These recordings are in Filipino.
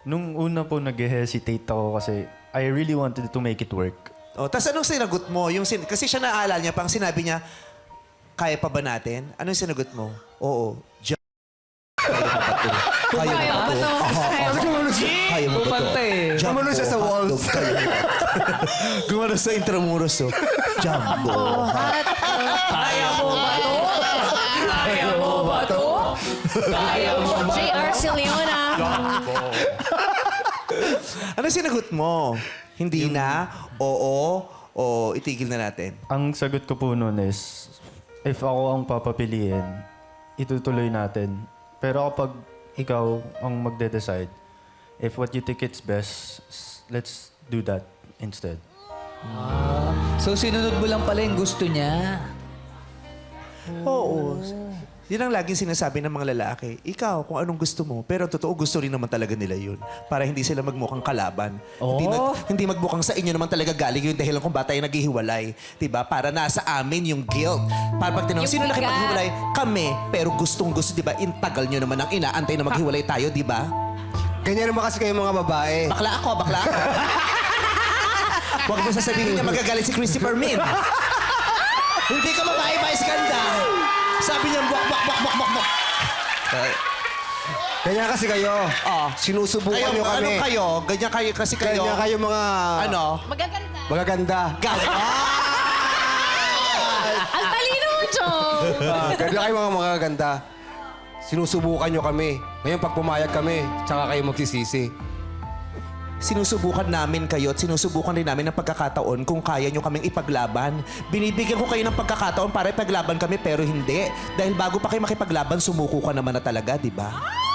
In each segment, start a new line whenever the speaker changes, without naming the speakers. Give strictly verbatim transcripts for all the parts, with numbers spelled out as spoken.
Nung una po nag-hesitate ako kasi I really wanted to make it work.
Oh, tapos anong sinagot mo? Yung sin kasi siya naalala niya, pang sinabi niya, kaya pa ba natin? Anong sinagot mo? Oo. Diyan. Kaya mo ba to? Kaya mo ba to? Kaya mo ba to?
Gumano siya sa walls.
Gumano sa intramuros, oh. Jumbo.
Kaya mo ba to? Kaya mo ba to? Kaya mo ba?
J R Siliona.
Ano sinagot mo? Hindi na? Oo? O itigil na natin?
Ang sagot ko po noon is, if ako ang papapiliin, itutuloy natin. Pero kapag ikaw ang magde-decide, if what you think it's best, s- let's do that instead.
So, sinunod mo lang pala yung gusto niya.
Oo. Yun ang laging sinasabi ng mga lalaki. Ikaw, kung anong gusto mo. Pero totoo, gusto rin naman talaga nila yun. Para hindi sila magmukhang kalaban. Hindi, nag- hindi magmukhang sa inyo naman talaga galing yung dahilan kung ba tayo naghihiwalay. Diba? Para nasa amin yung guilt. Para pag tinanong,
Yung
sino
bigat.
nakipaghiwalay? Kami. Pero gustong gusto, diba? Intagal nyo naman ang inaantay na maghiwalay tayo, diba?
Ganyan naman kasi kayo mga babae.
Bakla ako, bakla ako. Huwag mo sasabihin niya magagalit si Christopher Min. Hindi ka babae, Vice Ganda. Sabi niya, buwak, buwak, buwak, buwak, buwak, buwak.
Ganyan kasi kayo.
Oh.
Sinusubukan
Kayo,
nyo kami.
ano kayo? Ganyan kayo kasi kayo.
Ganyan kayo mga...
Ano?
Magaganda.
Magaganda.
Galit.
Ang talino mo, Chong.
Ah, ganyan kayo mga magaganda. Sinusubukan nyo kami. Ngayon, pag pumayag kami, tsaka kayo magsisisi.
Sinusubukan namin kayo at sinusubukan din namin ng pagkakataon kung kaya nyo kaming ipaglaban. Binibigyan ko kayo ng pagkakataon para ipaglaban kami pero hindi. Dahil bago pa kayo makipaglaban, sumuko ka naman na talaga, di ba?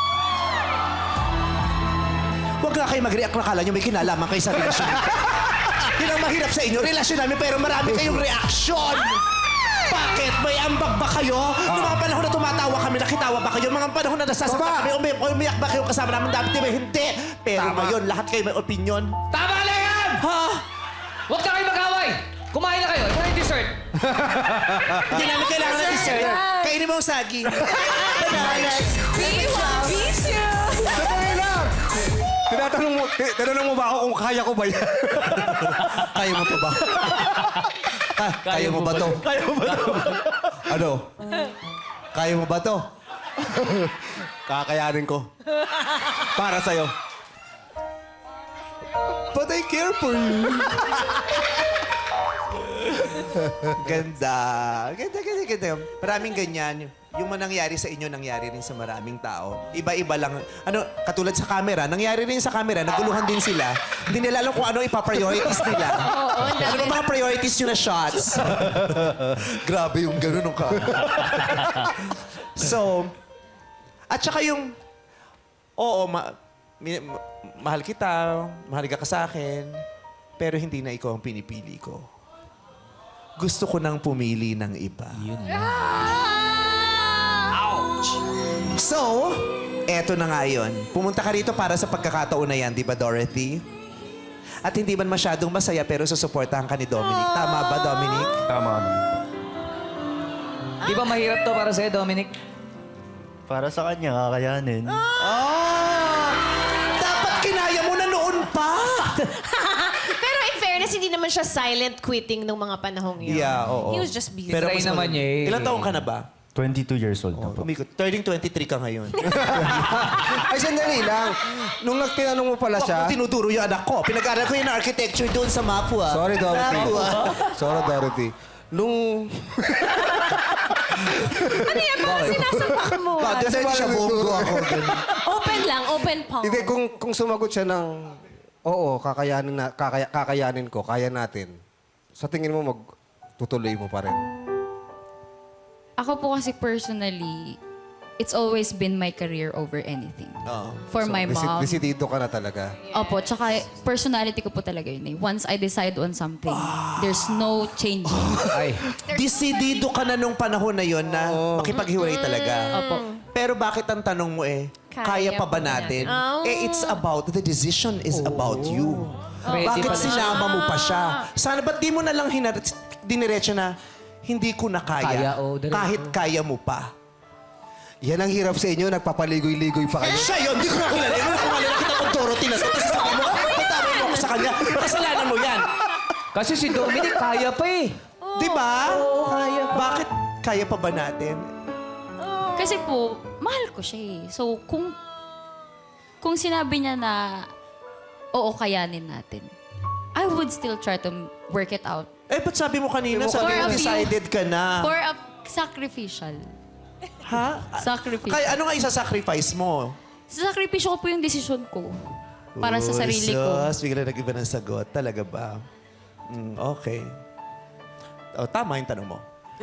Huwag nga kayo mag-react na kala nyo may kinalaman kayo sa relasyon. Yun ang mahirap sa inyo, relasyon namin pero marami kayong reaksyon. Bakit? May ambag ba kayo? Noong mga panahon na tumatawa kami, nakitawa ba kayo? Mga panahon na nasasaktan
Tama.
kami, umi- umiyak ba kayo kasama namin? Dapat di ba? Hindi. Pero
Tama.
ngayon, lahat kayo may opinion.
Tama na yan!
Ha?
Huwag na kayo mag-away! Kumain na kayo. Ito na yung dessert.
Hindi namin kailangan ng dessert. Kainin mo ang saging. Bananas.
We want pizza.
Sandali lang! Tinatanong mo, ti- tinanong mo ba ako kung kaya ko ba yan?
Kaya mo to ba? Ka- kaya mo ba to? Kaya mo ba to? Ano? Kaya mo ba to?
Kakayanin ko. Para sa'yo.
But I care for you. Ganda. Ganda, ganda, ganda. Maraming ganyan. Yung manangyari sa inyo, nangyari rin sa maraming tao. Iba-iba lang. Ano, katulad sa camera, nangyari rin sa camera, naguluhan din sila. Hindi nila alam kung ano ipa-priorities nila.
Oo, ang
Ano
dami.
ba mga priorities nyo na shots? Grabe yung gano'n ng camera. So, at saka yung, oo, ma- mi- ma- mahal kita, mahal ka sa akin, pero hindi na ikaw ang pinipili ko. Gusto ko nang pumili ng iba. So, eto na nga yun. Pumunta ka rito para sa pagkakataon na yan, di ba, Dorothy? At hindi man masyadong masaya, pero susuportahan ka ni Dominic. Tama ba, Dominic?
Tama ka naman.
Di ba mahirap to para sa'yo, Dominic?
Para sa kanya, kakayanin.
Ah! Dapat kinaya mo na noon pa!
Pero in fairness, hindi naman siya silent quitting nung mga panahong yun.
Yeah, oo.
He was just busy.
Pero- Try
mas
naman
maganda.
niya eh.
Ilang taong ka na ba?
twenty-two years old na po.
Umikot. Turning twenty-three ka ngayon.
Ay, sandali lang. Nung nagtinanong mo pala siya...
Ako tinuturo yung anak ko. Pinag-aral ko yung architecture doon sa Mapua.
Sorry, Dorothy.
Mapua.
Sorry, Dorothy. Nung...
Ano yan? Bakit sinasapak mo?
Bakit kasi siya bongo ako.
Open lang, open palm.
Hindi, kung, kung sumagot siya ng... Oo, kakayanin, na, kakaya, kakayanin ko, kaya natin. Sa tingin mo, magtutuloy mo pa rin.
Ako po kasi personally, it's always been my career over anything.
Oo.
For my
Desi-
mom.
Desidido ka na talaga.
Opo, tsaka personality ko po talaga yun eh. Once I decide on something, there's no changing.
Ay.
Desidido ka na nung panahon na yon na makipaghiwalay talaga.
Opo.
Pero bakit ang tanong mo eh, kaya, pa ba natin?
Oh.
Eh, it's about, the decision is about you.
Ready
Bakit
pala siya.
sinama mo pa siya? Sana ba't di mo na lang hinar- diniretso na, hindi ko na kaya,
Kaya, oh, diretso.
kahit kaya mo pa.
Yan ang hirap sa inyo, nagpapaligoy-ligoy pa kayo.
Siya yun, di ko na kilala. Ano ko kilala kita kung Dorothy kasalanan mo yan.
Kasi si Dominic kaya pa eh.
Di ba?
Oo, kaya pa.
Bakit kaya pa ba natin?
Kasi po, mahal ko siya eh. So, kung, kung sinabi niya na, oo, kayanin natin, I would still try to work it out.
Eh, ba't sabi mo kanina,
For
sabi
a
mo
few-
decided ka na?
For a sacrificial.
Ha?
Sacrificial.
Kaya ano nga isa-sacrifice mo?
Sa sakripisyo ko po yung desisyon ko. Para sa
Uy,
sarili ko.
sus, bigla nag-iba ng sagot. Talaga ba? Mm, okay. Oh, tama yung tanong mo.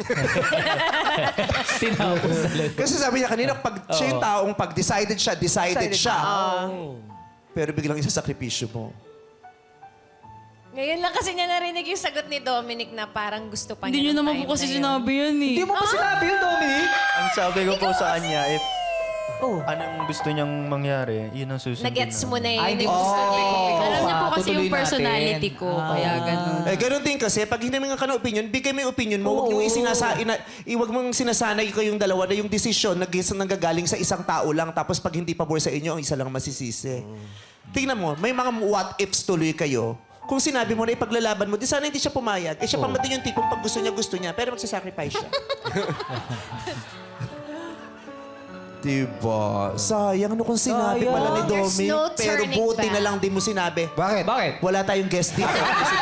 Tinapos talaga.
Kasi sabi niya kanina, pag siya yung taong pag decided siya, decided, siya. Pero biglang isasakripisyo mo.
Ngayon lang kasi niya narinig yung sagot ni Dominic na parang gusto pa
Hindi
niya
niyo
ng
naman
time
po kasi
na yun.
sinabi yan eh.
Hindi mo pa sinabi yun, Dominic.
Ang sabi ko po sa kanya, if
Oh.
anong gusto niyang mangyari, yun ang susundin
Nagets mo na
Ay,
yun.
hindi
yung
mo
gusto
sinabi
niya.
kung ikaw
Alam niya po
pa,
kasi yung
tutuloy
personality
natin.
ko. Kaya ganun.
Eh, ganun din kasi, pag hinamingan ka ng opinion, bigay mo yung opinion mo. Huwag nyo isinasa, ina, iwag mong sinasanay kayong dalawa na yung desisyon nag nanggagaling sa isang tao lang, tapos pag hindi pabor sa inyo, ang isa lang masisisi. Tingnan mo, may mga what ifs tuloy kayo. Kung sinabi mo na ipaglalaban mo, di sana hindi siya pumayag. Eh, siya pa din yung tipong pag gusto niya, gusto niya, pero magsasacrifice siya. Diba? Sayang ano kung sinabi
Sayang.
pala ni
There's
Domi.
no
Pero
turning
buti
back.
na lang di mo sinabi.
Bakit?
Bakit?
Wala tayong guest dito.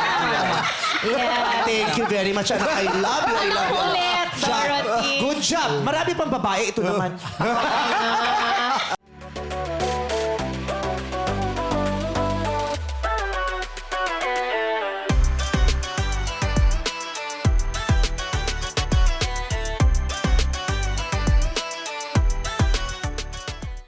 Yeah.
Thank you very much, anak. I love you. I love you.
Ulit,
Job.
Dorothy.
Good job. Marami pang babae. Ito naman.